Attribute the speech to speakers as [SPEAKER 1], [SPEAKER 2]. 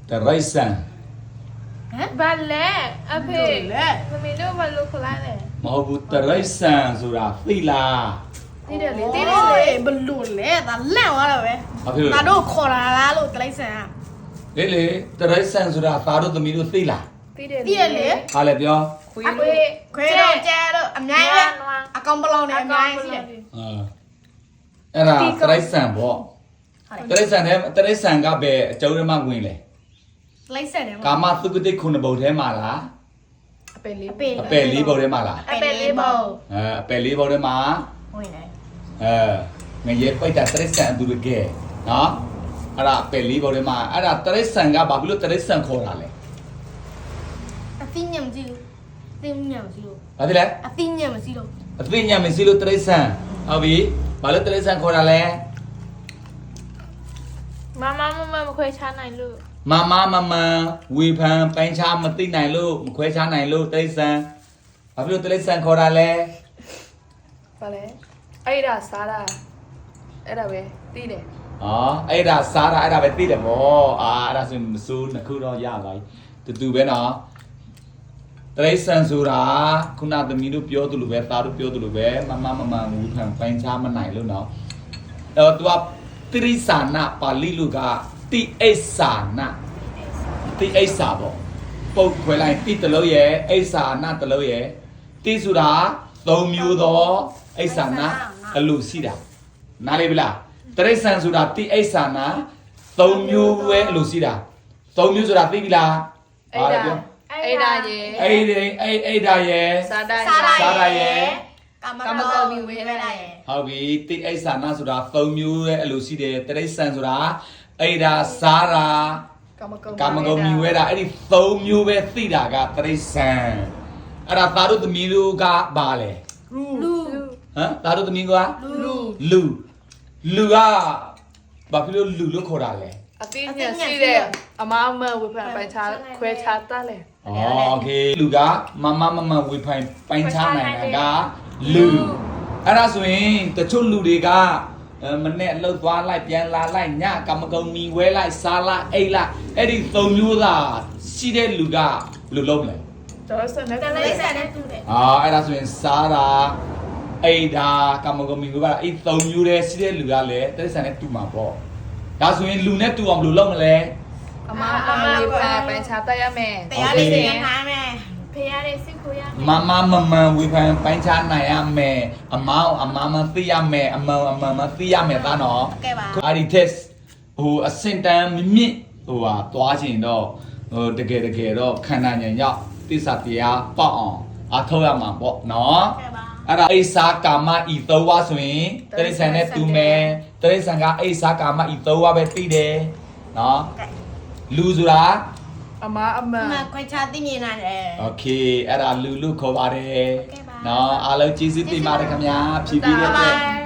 [SPEAKER 1] the right son
[SPEAKER 2] ဘာလဲအဖေမင်းတို့ဘာလို့ခလာလဲ
[SPEAKER 1] မဟုတ်ဘူး the right son ဆိုတာသိလား
[SPEAKER 2] သိတယ်လေ
[SPEAKER 3] တိ
[SPEAKER 2] သိ
[SPEAKER 3] တိ
[SPEAKER 2] တယ်လေ
[SPEAKER 3] ဘလူလေဒါလန့်သွားတော့ပဲ
[SPEAKER 1] ဘာဖြစ်လို့
[SPEAKER 3] ငါတို့ခေါ်လာလားလို့တလိုက်ဆန်อ่ะ
[SPEAKER 1] လေ the right son ဆိုတာသားတို့သမီးတို့သိလား
[SPEAKER 2] သိတယ်
[SPEAKER 3] သိရလေ
[SPEAKER 1] ဟာလေပြော
[SPEAKER 2] ခွေး
[SPEAKER 3] အဖေခွဲတော့ကျဲတော့အများကြီးပဲအကောင်ပလောင်နေအများကြီးရှိတယ်
[SPEAKER 1] အဲ့ဒါ the right son ပေါ့ the right son နဲ့ the right son ကပဲအကျုံးထဲမှာဝင်လေ
[SPEAKER 3] တလိုက်ဆန်တယ်
[SPEAKER 1] ကာမသုကတိခုနှစ်ဘုတ်ထဲမှာလား
[SPEAKER 2] အပယ်လေး
[SPEAKER 3] အပေ
[SPEAKER 1] အပယ်လေးဘုတ်ထဲမှာလား
[SPEAKER 3] အပေလေးပေါ့
[SPEAKER 1] အပယ်လေးဘုတ်ထဲမှာ
[SPEAKER 3] ဝင်တယ်
[SPEAKER 1] ငရေပိတ်တာတရစ္ဆန်အတူတကယ်နော်အဲ့ဒါအပယ်လေးဘုတ်ထဲမှာအဲ့ဒါတရစ္ဆန်ကဘာဖြစ်လို့တရစ္ဆန်ခေါ်တာလဲ
[SPEAKER 3] အသိဉာဏ်မရှိလို့သိဉာဏ်မရှိလို့
[SPEAKER 1] ဘာဖြစ်လဲ
[SPEAKER 3] အသိဉာဏ်မရှိလို့
[SPEAKER 1] အသိဉာဏ်မရှိလို့တရစ္ဆန်ဟုတ်ပြီဘာလို့တရစ္ဆန်ခေါ်တာလဲ
[SPEAKER 2] မမခွဲချနိုင်လို့
[SPEAKER 1] မဝေဖန်ပိုင်းခြားမသိနိုင်လို့မခွဲခြားနိုင်လို့တရစ္ဆန်ဘာဖြစ်လို့တရစ္ဆန်ခေါ်တာလဲ
[SPEAKER 2] ဘာလဲအဲ့ဒါစားတာအဲ့ဒါပဲသိတယ်
[SPEAKER 1] อ๋อအဲ့ဒါစားတာအဲ့ဒါပဲသိတယ်ဗောအဲ့ဒါဆိုမစိုးနှစ်ခုတော့ရပါပြီတူပဲနော်တရိษံဆိုတာခုနသမီးတို့ပြောသလိုပဲသားတို့ပြောသလိုပဲမဝူခံပိုင်းခြားမနိုင်လို့နော်သူကတိရိษာနာပါဠိလိုကတိအိဆာနာတိအိဆာပေါ့ပုတ်ခွဲလိုက်တိတလို့ရဲ့အိဆာနာတလို့ရဲ့တိဆိုတာ၃မျိုးသောအိဆာနာအလိုရှိတာနားလေးပြီလားတရိษံဆိုတာတိအိဆာနာ၃မျိုးပဲအလိုရှိတာ၃မျိုးဆိုတာသိပြီလား
[SPEAKER 2] အဲ့ဒါရေ
[SPEAKER 1] အဲ့ဒါရဲ့
[SPEAKER 2] စားတာ
[SPEAKER 1] စားတာရဲ့
[SPEAKER 3] ကာမကောမီဝဲလာရဲ့
[SPEAKER 1] ဟုတ်ပြီတိအိဆာနာဆိုတာ၃မျိုးရဲ့အလိုရှိတယ်တရိษံဆိုတာအဲ့ဒါစားတာ ကာမဂုဏ်မြည်ဝဲတာအဲ့ဒီ၃မျိုးပဲသိတာကတရိษံအဲ့ဒါသားတို့သမီးတို့ကဘာလဲ
[SPEAKER 3] လူ
[SPEAKER 1] ဟမ်သားတို့သမီးက
[SPEAKER 3] လူ
[SPEAKER 1] လူကဘာဖြစ်လို့လူလို့ခေါ်တာလဲ
[SPEAKER 2] အသိဉာဏ်ရှိတယ်အမဝေဖန်ပိုင်းချခွဲချတတ်လေ
[SPEAKER 1] โอเคလူကမဝေဖိုင်ပိုင်းခြားနိုင်တာကလူအဲ့ဒါဆိုရင်တချို့လူတွေကမနဲ့လှုပ်သွားလိုက်ပြန်လာလိုက်ညကာမဂုဏ်မြည်ဝဲလိုက်စားလိုက်အိတ်လိုက်အဲ့ဒီ၃မျိုးသာရှိတဲ့လူကလူလုံးမလဲ
[SPEAKER 2] တော့စနေ
[SPEAKER 3] တလိုက်ဆန်နဲ့တူတယ်
[SPEAKER 1] အဲ့ဒါဆိုရင်စားတာအိတ်တာကာမဂုဏ်မြည်ဝဲတာအဲ့၃မျိုးတည်းရှိတဲ့လူကလည်းတိရစ္ဆာန်နဲ့တူမှာပေါ့ဒါဆိုရင်လူနဲ့တူအောင်ဘယ်လိုလုပ်မလဲ
[SPEAKER 2] အမဝေဖန်ပိုင်းချတတ်ရမယ်
[SPEAKER 3] တရားလေးသင်ထားမယ်
[SPEAKER 2] ဖေရတဲ့စစ်ကိုရ
[SPEAKER 1] မဝေဖန်ပိုင်းခြားနိုင်ရမယ်အမောင်အမသိရမယ်အမောင်မသိရမယ်သားနော်
[SPEAKER 3] ကဲပါ
[SPEAKER 1] အဲ့ဒီ test ဟိုအစင်တန်မြင့်ဟိုဟာသွားချင်တော့ဟိုတကယ်တော့ခန္ဓာဉာဏ်ရောက်သစ္စာတရားပေါက်အောင်အထောက်ရမှာပေါ့နော်
[SPEAKER 3] ကဲပါ
[SPEAKER 1] အဲ့ဒါအိစာကာမဤ၃ဝါဆိုရင်တရိษံနဲ့တူမယ်တရိษံကအိစာကာမဤ၃ဝါပဲသိတယ်နော်လူဆိုတာ
[SPEAKER 2] အမ
[SPEAKER 3] မခွဲခြားသိမြင်လာတယ်
[SPEAKER 1] โอเคအဲ့ဒါလူခေါ်ပါတယ်နော်အားလုံးကျေးဇူးတင်ပါတယ်ခင်ဗျာဖြည့်ပြီးတဲ့အတွက်